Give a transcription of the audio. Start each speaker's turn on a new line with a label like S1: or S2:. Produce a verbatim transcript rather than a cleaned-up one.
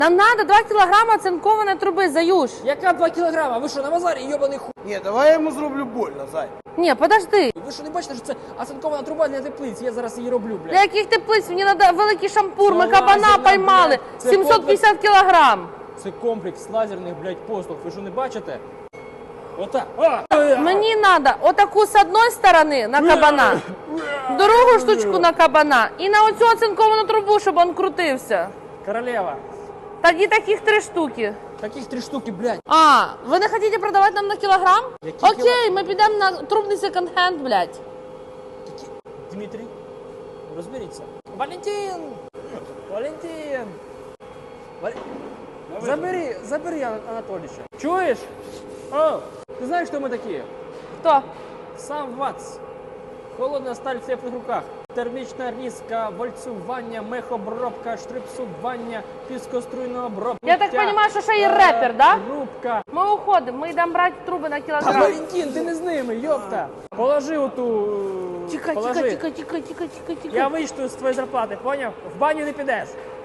S1: Нам надо два кілограма оцинкованої труби, Заюш.
S2: Яка два кілограма? Ви що, на базарі йобаний ху...
S3: Ні, давай я йому зроблю больно, зай.
S1: Ні, подожди.
S2: Ви що не бачите, що це оцинкована труба для теплиць? Я зараз її роблю, блядь.
S1: Для яких теплиць? Мені треба великий шампур, ми
S2: Це
S1: кабана
S2: лазерна,
S1: поймали.
S2: блядь. Це
S1: сімсот п'ятдесят кілограм.
S2: Це комплекс лазерних, блядь, послуг. Ви що не бачите? Отак.
S1: Мені треба отаку з одної сторони на кабана, другу штучку на кабана і на оцю оцинковану трубу, щоб він крутився.
S2: Королева.
S1: Тоді таких три штуки.
S2: Таких три штуки, блядь.
S1: А, ви не хочете продавати нам на кілограм?
S2: Які
S1: Окей, ми підемо на трубний секонд-хенд, блядь.
S2: Такі... Дмитрій, розберіться. Валентин! Валентин! Вал... Забери, забери Ан- Анатолійовича. Чуєш? О, ти знаєш, хто ми такі?
S1: Хто?
S2: Сам ВАЦ. Холодна сталь в теплих руках. Термічна різка, вальцювання, мехобробка, штрипсування, піскоструйна обробка.
S1: Я так розумію, що ще і репер, да?
S2: Рубка.
S1: Ми уходимо, ми йдемо брати труби на
S2: Та,
S1: кілограм.
S2: Валентин, ти не з ними, йопта. Положи оту...
S1: Тікай,
S2: положи.
S1: тікай, тікай, тікай, тікай, тікай, тікай.
S2: Я вийшов з твоєї зарплати, поняв? В баню не підеш.